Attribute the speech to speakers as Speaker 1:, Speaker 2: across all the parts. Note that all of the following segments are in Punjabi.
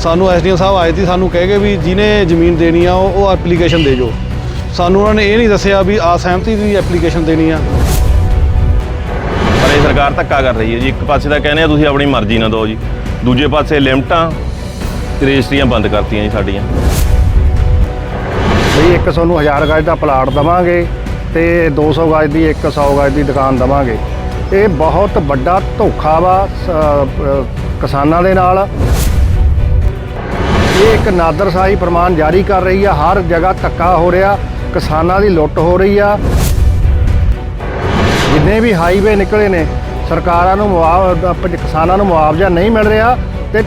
Speaker 1: ਸਾਨੂੰ ਐਸਡੀਐਮ ਸਾਹਿਬ ਆਏ ਸੀ, ਸਾਨੂੰ ਕਹਿ ਗਏ ਵੀ ਜਿਹਨੇ ਜ਼ਮੀਨ ਦੇਣੀ ਆ ਉਹ ਐਪਲੀਕੇਸ਼ਨ ਦੇ ਜੋ। ਸਾਨੂੰ ਉਹਨਾਂ ਨੇ ਇਹ ਨਹੀਂ ਦੱਸਿਆ ਵੀ ਅਸਹਿਮਤੀ ਦੀ ਐਪਲੀਕੇਸ਼ਨ ਦੇਣੀ ਆ।
Speaker 2: ਪਰ ਇਹ ਸਰਕਾਰ ਧੱਕਾ ਕਰ ਰਹੀ ਹੈ ਜੀ। ਇੱਕ ਪਾਸੇ ਤਾਂ ਕਹਿੰਦੇ ਆ ਤੁਸੀਂ ਆਪਣੀ ਮਰਜ਼ੀ ਨਾਲ ਦਿਓ ਜੀ, ਦੂਜੇ ਪਾਸੇ ਲਿਮਟਾਂ ਰਜਿਸਟਰੀਆਂ ਬੰਦ ਕਰਤੀਆਂ ਜੀ ਸਾਡੀਆਂ।
Speaker 3: ਬਈ ਇੱਕ ਤੁਹਾਨੂੰ 1000 ਗਜ ਦਾ ਪਲਾਟ ਦੇਵਾਂਗੇ ਤੇ 200 ਗਜ ਦੀ 100 ਗਜ ਦੀ ਦੁਕਾਨ ਦੇਵਾਂਗੇ। ਇਹ ਬਹੁਤ ਵੱਡਾ ਧੋਖਾ ਵਾ ਕਿਸਾਨਾਂ ਦੇ ਨਾਲ। ਇਹ ਇੱਕ ਨਾਦਰਸ਼ਾਹੀ ਫਰਮਾਨ ਜਾਰੀ ਕਰ ਰਹੀ ਆ। ਹਰ ਜਗ੍ਹਾ ਧੱਕਾ ਹੋ ਰਿਹਾ, ਕਿਸਾਨਾਂ ਦੀ ਲੁੱਟ ਹੋ ਰਹੀ ਆ। ਜਿੰਨੇ ਵੀ ਹਾਈਵੇ ਨਿਕਲੇ ਨੇ ਸਰਕਾਰਾਂ ਨੂੰ ਕਿਸਾਨਾਂ ਨੂੰ ਮੁਆਵਜ਼ਾ ਨਹੀਂ ਮਿਲ ਰਿਹਾ ਤੇ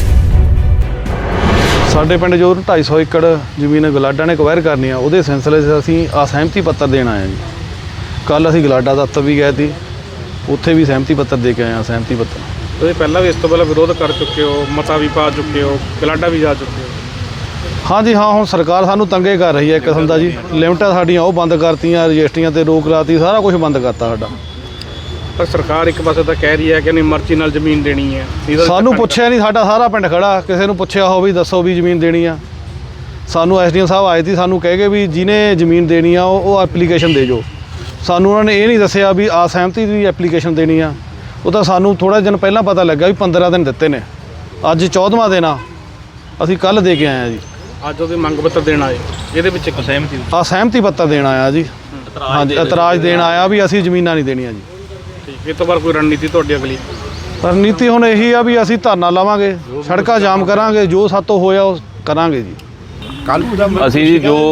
Speaker 1: ਸਾਡੇ ਪਿੰਡ ਜੋ 250 ਏਕੜ ਜ਼ਮੀਨ ਗਲਾਡਾ ਨੇ ਅਕਵਾਇਰ ਕਰਨੀ ਆ, ਉਹਦੇ ਸਿਲਸਿਲੇ 'ਚ ਅਸੀਂ ਅਸਹਿਮਤੀ ਪੱਤਰ ਦੇਣ ਆਏ ਹਾਂ ਜੀ। ਕੱਲ੍ਹ ਅਸੀਂ ਗਲਾਡਾ ਦਫ਼ਤਰ ਵੀ ਗਏ ਸੀ, ਉੱਥੇ ਵੀ ਸਹਿਮਤੀ ਪੱਤਰ ਦੇ ਕੇ ਆਏ ਹਾਂ। ਸਹਿਮਤੀ ਪੱਤਰ
Speaker 4: ਤੁਸੀਂ ਪਹਿਲਾਂ ਵੀ ਇਸ ਤੋਂ ਪਹਿਲਾਂ ਵਿਰੋਧ ਕਰ ਚੁੱਕੇ ਹੋ, ਮਤਾ ਵੀ ਪਾ ਚੁੱਕੇ ਹੋ, ਗਲਾਡਾ ਵੀ ਜਾ ਚੁੱਕੇ ਹੋ।
Speaker 1: ਹਾਂਜੀ ਹਾਂ, ਹੁਣ ਸਰਕਾਰ ਸਾਨੂੰ ਤੰਗੇ ਕਰ ਰਹੀ ਹੈ ਇੱਕ ਕਿਸਮ ਦਾ ਜੀ। ਲਿਮਟਾਂ ਸਾਡੀਆਂ ਉਹ ਬੰਦ ਕਰਤੀਆਂ, ਰਜਿਸਟਰੀਆਂ 'ਤੇ ਰੋਕ ਲਾਤੀ, ਸਾਰਾ ਕੁਝ ਬੰਦ ਕਰਤਾ ਸਾਡਾ।
Speaker 4: ਪਰ ਸਰਕਾਰ ਇੱਕ ਪਾਸੇ ਤਾਂ ਕਹਿ ਰਹੀ ਹੈ ਕਿ ਨਹੀਂ ਮਰਜ਼ੀ ਨਾਲ ਜ਼ਮੀਨ ਦੇਣੀ ਹੈ।
Speaker 1: ਸਾਨੂੰ ਪੁੱਛਿਆ ਨਹੀਂ, ਸਾਡਾ ਸਾਰਾ ਪਿੰਡ ਖੜਾ, ਕਿਸੇ ਨੂੰ ਪੁੱਛਿਆ ਹੋ ਵੀ ਦੱਸੋ ਵੀ ਜ਼ਮੀਨ ਦੇਣੀ ਆ। ਸਾਨੂੰ ਐਸਡੀਐਮ ਸਾਹਿਬ ਆਏ ਸੀ, ਸਾਨੂੰ ਕਹਿ ਗਏ ਵੀ ਜਿਹਨੇ ਜ਼ਮੀਨ ਦੇਣੀ ਆ ਉਹ ਐਪਲੀਕੇਸ਼ਨ ਦੇ ਜੋ। ਸਾਨੂੰ ਉਹਨਾਂ ਨੇ ਇਹ ਨਹੀਂ ਦੱਸਿਆ ਵੀ ਅਸਹਿਮਤੀ ਦੀ ਐਪਲੀਕੇਸ਼ਨ ਦੇਣੀ ਆ। ਉਹ ਤਾਂ ਸਾਨੂੰ ਥੋੜ੍ਹਾ ਦਿਨ ਪਹਿਲਾਂ ਪਤਾ ਲੱਗਾ ਵੀ 15 ਦਿਨ ਦਿੱਤੇ ਨੇ, ਅੱਜ 14ਵਾਂ ਦਿਨ ਆ। ਅਸੀਂ ਕੱਲ੍ਹ ਦੇ ਕੇ ਆਏ ਹਾਂ ਜੀ।
Speaker 4: ਅੱਜ ਉਹਦੀ ਮੰਗ ਪੱਤਰ ਦੇਣ ਆਏ, ਇਹਦੇ ਵਿੱਚ
Speaker 1: ਅਸਹਿਮਤੀ ਪੱਤਰ ਦੇਣ ਆਇਆ ਜੀ। ਹਾਂਜੀ, ਇਤਰਾਜ਼ ਦੇਣ ਆਇਆ ਵੀ ਅਸੀਂ ਜ਼ਮੀਨਾਂ ਨਹੀਂ ਦੇਣੀਆਂ ਜੀ।
Speaker 4: ਠੀਕ, ਇਹ ਤੋਂ ਬਾਅਦ ਕੋਈ ਰਣਨੀਤੀ ਤੁਹਾਡੀ ਅਗਲੀ?
Speaker 1: ਰਣਨੀਤੀ ਹੁਣ ਇਹੀ ਆ ਵੀ ਅਸੀਂ ਧਰਨਾ ਲਾਵਾਂਗੇ, ਸੜਕਾਂ ਜਾਮ ਕਰਾਂਗੇ, ਜੋ ਸਾਤੋਂ ਹੋਇਆ ਉਹ ਕਰਾਂਗੇ ਜੀ।
Speaker 2: ਅਸੀਂ ਜੀ ਜੋ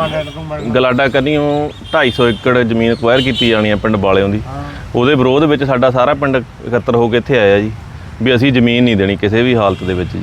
Speaker 2: ਗਲਾਡਾ ਕੰਨੀਓ 250 ਏਕੜ ਜ਼ਮੀਨ ਅਕਵਾਇਰ ਕੀਤੀ ਜਾਣੀ ਆ ਪਿੰਡ ਵਾਲਿਆਂ ਦੀ, ਉਹਦੇ ਵਿਰੋਧ ਵਿੱਚ ਸਾਡਾ ਸਾਰਾ ਪਿੰਡ ਇਕੱਤਰ ਹੋ ਕੇ ਇੱਥੇ ਆਇਆ ਜੀ ਵੀ ਅਸੀਂ ਜ਼ਮੀਨ ਨਹੀਂ ਦੇਣੀ ਕਿਸੇ ਵੀ ਹਾਲਤ ਦੇ ਵਿੱਚ ਜੀ।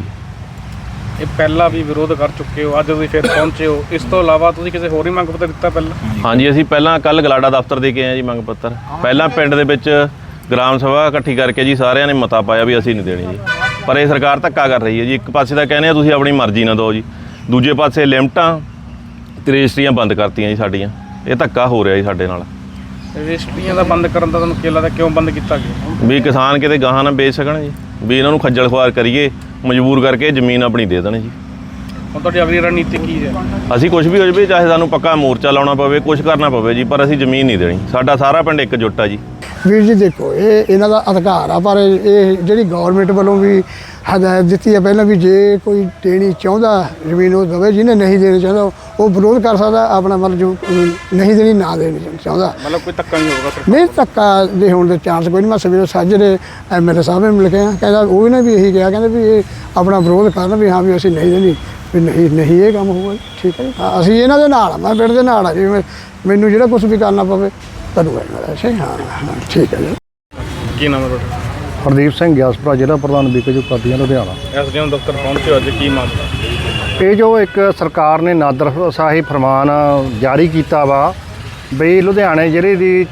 Speaker 4: ਇਹ ਪਹਿਲਾਂ ਵੀ ਵਿਰੋਧ ਕਰ ਚੁੱਕੇ ਹੋ, ਅੱਜ ਤੁਸੀਂ ਫਿਰ ਪਹੁੰਚੇ ਹੋ। ਇਸ ਤੋਂ ਇਲਾਵਾ ਤੁਸੀਂ ਕਿਸੇ ਹੋਰ ਹੀ ਮੰਗ ਪੱਤਰ ਦਿੱਤਾ ਪਹਿਲਾਂ?
Speaker 2: ਹਾਂਜੀ, ਅਸੀਂ ਪਹਿਲਾਂ ਕੱਲ੍ਹ ਗਲਾਡਾ ਦਫ਼ਤਰ ਦੇ ਕੇ ਆਏ ਜੀ ਮੰਗ ਪੱਤਰ। ਪਹਿਲਾਂ ਪਿੰਡ ਦੇ ਵਿੱਚ ਗ੍ਰਾਮ ਸਭਾ ਇਕੱਠੀ ਕਰਕੇ ਜੀ ਸਾਰਿਆਂ ਨੇ ਮਤਾ ਪਾਇਆ ਵੀ ਅਸੀਂ ਨਹੀਂ ਦੇਣੀ ਜੀ। ਪਰ ਇਹ ਸਰਕਾਰ ਧੱਕਾ ਕਰ ਰਹੀ ਹੈ ਜੀ। ਇੱਕ ਪਾਸੇ ਤਾਂ ਕਹਿੰਦੇ ਆ ਤੁਸੀਂ ਆਪਣੀ ਮਰਜ਼ੀ ਨਾਲ ਦਿਓ ਜੀ, ਦੂਜੇ ਪਾਸੇ ਲਿਮਟਾਂ ਤੇ ਰਜਿਸਟਰੀਆਂ ਬੰਦ ਕਰਤੀਆਂ ਜੀ ਸਾਡੀਆਂ। ਇਹ ਧੱਕਾ ਹੋ ਰਿਹਾ ਜੀ ਸਾਡੇ ਨਾਲ।
Speaker 4: ਰਜਿਸਟਰੀਆਂ ਦਾ ਬੰਦ ਕਰਨ ਦਾ ਤੁਹਾਨੂੰ ਕੀ ਲੱਗਦਾ, ਕਿਉਂ ਬੰਦ ਕੀਤਾ ਗਿਆ?
Speaker 2: ਵੀ ਕਿਸਾਨ ਕਿਤੇ ਗਾਹਾਂ ਨਾ ਵੇਚ ਸਕਣ ਜੀ, ਵੀ ਇਹਨਾਂ ਨੂੰ ਖੱਜਲ ਖੁਆਰ ਕਰੀਏ, ਮਜਬੂਰ ਕਰਕੇ ਜ਼ਮੀਨ ਆਪਣੀ ਦੇ ਦੇਣ ਜੀ।
Speaker 4: ਹੁਣ ਤੁਹਾਡੀ ਅਗਲੀ ਰਣਨੀਤੀ ਕੀ ਹੈ?
Speaker 2: ਅਸੀਂ ਕੁਝ ਵੀ ਹੋ ਜਾਵੇ, ਚਾਹੇ ਸਾਨੂੰ ਪੱਕਾ ਮੋਰਚਾ ਲਾਉਣਾ ਪਵੇ, ਕੁਝ ਕਰਨਾ ਪਵੇ ਜੀ, ਪਰ ਅਸੀਂ ਜ਼ਮੀਨ ਨਹੀਂ ਦੇਣੀ। ਸਾਡਾ ਸਾਰਾ ਪਿੰਡ ਇੱਕਜੁੱਟ ਆ ਜੀ।
Speaker 5: ਵੀਰ ਜੀ ਦੇਖੋ, ਇਹ ਇਹਨਾਂ ਦਾ ਅਧਿਕਾਰ ਆ, ਪਰ ਇਹ ਜਿਹੜੀ ਗੌਰਮੈਂਟ ਵੱਲੋਂ ਵੀ ਹਦਾਇਤ ਦਿੱਤੀ ਹੈ ਪਹਿਲਾਂ ਵੀ ਜੇ ਕੋਈ ਦੇਣੀ ਚਾਹੁੰਦਾ ਜ਼ਮੀਨ ਉਹ ਦੇਵੇ, ਜਿਹਨੇ ਨਹੀਂ ਦੇਣੀ ਚਾਹੁੰਦਾ ਉਹ ਵਿਰੋਧ ਕਰ ਸਕਦਾ ਆਪਣਾ, ਮਤਲਬ ਜੋ ਨਹੀਂ ਦੇਣੀ ਨਾ ਦੇਣੀ ਚਾਹੁੰਦਾ।
Speaker 4: ਮਤਲਬ ਕੋਈ ਧੱਕਾ ਨਹੀਂ ਹੋਊਗਾ?
Speaker 5: ਨਹੀਂ, ਧੱਕਾ ਦੇ ਹੋਣ ਦੇ ਚਾਂਸ ਕੋਈ ਨਹੀਂ। ਮੈਂ ਸਵੇਰੇ ਸਾਜਰੇ ਐਮਐਲਏ ਸਾਹਿਬ ਨੂੰ ਮਿਲ ਕੇ ਆਇਆ, ਕਹਿੰਦਾ ਉਹ ਨੇ ਵੀ ਇਹੀ ਕਿਹਾ, ਕਹਿੰਦੇ ਵੀ ਇਹ ਆਪਣਾ ਵਿਰੋਧ ਕਰਨ ਵੀ ਹਾਂ ਵੀ ਅਸੀਂ ਨਹੀਂ ਦੇਣੀ, ਵੀ ਨਹੀਂ ਇਹ ਕੰਮ ਹੋਊਗਾ। ਠੀਕ ਹੈ ਜੀ, ਹਾਂ ਅਸੀਂ ਇਹਨਾਂ ਦੇ ਨਾਲ ਆ, ਮੈਂ ਪਿੰਡ ਦੇ ਨਾਲ ਆ ਜੀ। ਮੈਨੂੰ ਜਿਹੜਾ ਕੁਛ ਵੀ ਕਰਨਾ ਪਵੇ ਕਰੂਗਾ ਅੱਛਾ। ਹਾਂ ਠੀਕ ਹੈ ਜੀ।
Speaker 4: ਕੀ ਨਾਮ ਹੈ ਤੁਹਾਡਾ?
Speaker 3: ਹਰਦੀਪ ਸਿੰਘ ਗਿਆਸਪੁਰਾ, ਜ਼ਿਲ੍ਹਾ ਪ੍ਰਧਾਨ ਬੀਕੇਯੂ ਪਾਰਟੀਆਂ ਲੁਧਿਆਣਾ।
Speaker 4: ਐਸਡੀਐਮ ਦਫ਼ਤਰ ਪਹੁੰਚੇ ਹੋ, ਅੱਜ ਕੀ ਮਾਮਲਾ?
Speaker 3: ਇਹ ਜੋ ਇੱਕ ਸਰਕਾਰ ਨੇ ਨਾਦਰਸ਼ਾਹੀ ਫਰਮਾਨ ਜਾਰੀ ਕੀਤਾ ਵਾ ਬਈ ਲੁਧਿਆਣੇ ਜ਼ਿਲ੍ਹੇ ਦੀ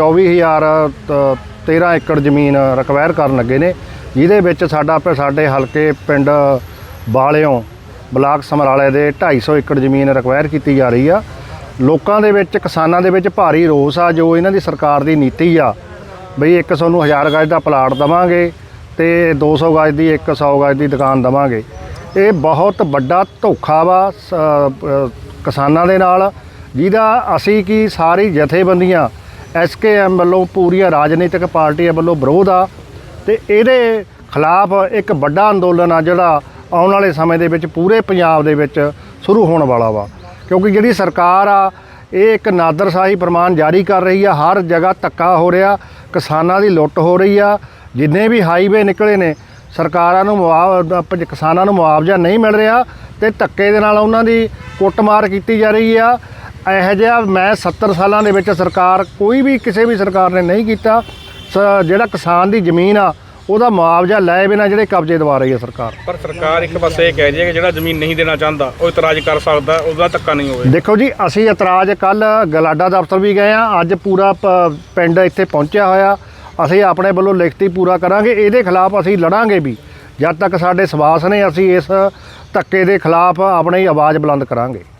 Speaker 3: 24,013 ਏਕੜ ਜ਼ਮੀਨ ਰਿਕਵਾਇਰ ਕਰਨ ਲੱਗੇ ਨੇ, ਜਿਹਦੇ ਵਿੱਚ ਸਾਡੇ ਹਲਕੇ ਪਿੰਡ ਵਾਲਿਓਂ ਬਲਾਕ ਸਮਰਾਲੇ ਦੇ 250 ਏਕੜ ਜ਼ਮੀਨ ਰਿਕਵਾਇਰ ਕੀਤੀ ਜਾ ਰਹੀ ਆ। ਲੋਕਾਂ ਦੇ ਵਿੱਚ, ਕਿਸਾਨਾਂ ਦੇ ਵਿੱਚ ਭਾਰੀ ਰੋਸ ਆ ਜੋ ਇਹਨਾਂ ਦੀ ਸਰਕਾਰ ਦੀ ਨੀਤੀ ਆ ਬਈ ਇੱਕ ਤੁਹਾਨੂੰ 1000 ਗਜ ਦਾ ਪਲਾਟ ਦੇਵਾਂਗੇ ਤੇ 200 ਗਜ ਦੀ 100 ਗਜ ਦੀ ਦੁਕਾਨ ਦੇਵਾਂਗੇ। ਇਹ ਬਹੁਤ ਵੱਡਾ ਧੋਖਾ ਵਾ ਕਿਸਾਨਾਂ ਦੇ ਨਾਲ, ਜਿਹਦਾ ਅਸੀਂ ਕੀ ਸਾਰੀ ਜਥੇਬੰਦੀਆਂ SKM ਵੱਲੋਂ, ਪੂਰੀਆਂ ਰਾਜਨੀਤਿਕ ਪਾਰਟੀਆਂ ਵੱਲੋਂ ਵਿਰੋਧ ਆ ਤੇ ਇਹਦੇ ਖਿਲਾਫ ਇੱਕ ਵੱਡਾ ਅੰਦੋਲਨ ਆ ਜਿਹੜਾ ਆਉਣ ਵਾਲੇ ਸਮੇਂ ਦੇ ਵਿੱਚ ਪੂਰੇ ਪੰਜਾਬ ਦੇ ਵਿੱਚ ਸ਼ੁਰੂ ਹੋਣ ਵਾਲਾ ਵਾ। ਕਿਉਂਕਿ ਜਿਹੜੀ ਸਰਕਾਰ ਆ ਇਹ ਇੱਕ ਨਾਦਰਸ਼ਾਹੀ ਫਰਮਾਨ ਜਾਰੀ ਕਰ ਰਹੀ ਆ। ਹਰ ਜਗ੍ਹਾ ਧੱਕਾ ਹੋ ਰਿਹਾ, ਕਿਸਾਨਾਂ ਦੀ ਲੁੱਟ ਹੋ ਰਹੀ ਆ। ਜਿੰਨੇ ਵੀ ਹਾਈਵੇ ਨਿਕਲੇ ਨੇ ਸਰਕਾਰਾਂ ਨੂੰ ਕਿਸਾਨਾਂ ਨੂੰ ਮੁਆਵਜ਼ਾ ਨਹੀਂ ਮਿਲ ਰਿਹਾ ਤੇ ਧੱਕੇ ਦੇ ਨਾਲ ਉਹਨਾਂ ਦੀ ਕੁੱਟਮਾਰ ਕੀਤੀ ਜਾ ਰਹੀ ਆ। ਇਹੋ ਜਿਹਾ ਮੈਂ 70 ਸਾਲਾਂ ਦੇ ਵਿੱਚ ਸਰਕਾਰ ਕੋਈ ਵੀ ਕਿਸੇ ਵੀ ਸਰਕਾਰ ਨੇ ਨਹੀਂ ਕੀਤਾ। ਜਿਹੜਾ ਕਿਸਾਨ ਦੀ ਜ਼ਮੀਨ ਆ ਉਹਦਾ ਮੁਆਵਜ਼ਾ ਲਏ ਬਿਨਾਂ ਜਿਹੜੇ ਕਬਜ਼ੇ ਦਵਾ ਰਹੀ ਹੈ ਸਰਕਾਰ।
Speaker 4: ਪਰ ਸਰਕਾਰ ਇੱਕ ਪਾਸੇ ਇਹ ਕਹਿ ਰਹੀ ਹੈ ਕਿ ਜਿਹੜਾ ਜ਼ਮੀਨ ਨਹੀਂ ਦੇਣਾ ਚਾਹੁੰਦਾ ਉਹ ਇਤਰਾਜ਼ ਕਰ ਸਕਦਾ, ਉਹਦਾ ਧੱਕਾ ਨਹੀਂ ਹੋਵੇ।
Speaker 3: ਦੇਖੋ ਜੀ, ਅਸੀਂ ਇਤਰਾਜ਼ ਕੱਲ੍ਹ ਗਲਾਡਾ ਦਫ਼ਤਰ ਵੀ ਗਏ ਆ, ਅੱਜ ਪੂਰਾ ਪਿੰਡ ਇੱਥੇ ਪਹੁੰਚਿਆ ਹੋਇਆ। ਅਸੀਂ ਆਪਣੇ ਵੱਲੋਂ ਲਿਖਤੀ ਪੂਰਾ ਕਰਾਂਗੇ, ਇਹਦੇ ਖਿਲਾਫ ਅਸੀਂ ਲੜਾਂਗੇ ਵੀ। ਜਦ ਤੱਕ ਸਾਡੇ ਸਵਾਸ ਨੇ ਅਸੀਂ ਇਸ ਧੱਕੇ ਦੇ ਖਿਲਾਫ ਆਪਣੀ ਆਵਾਜ਼ ਬੁਲੰਦ ਕਰਾਂਗੇ।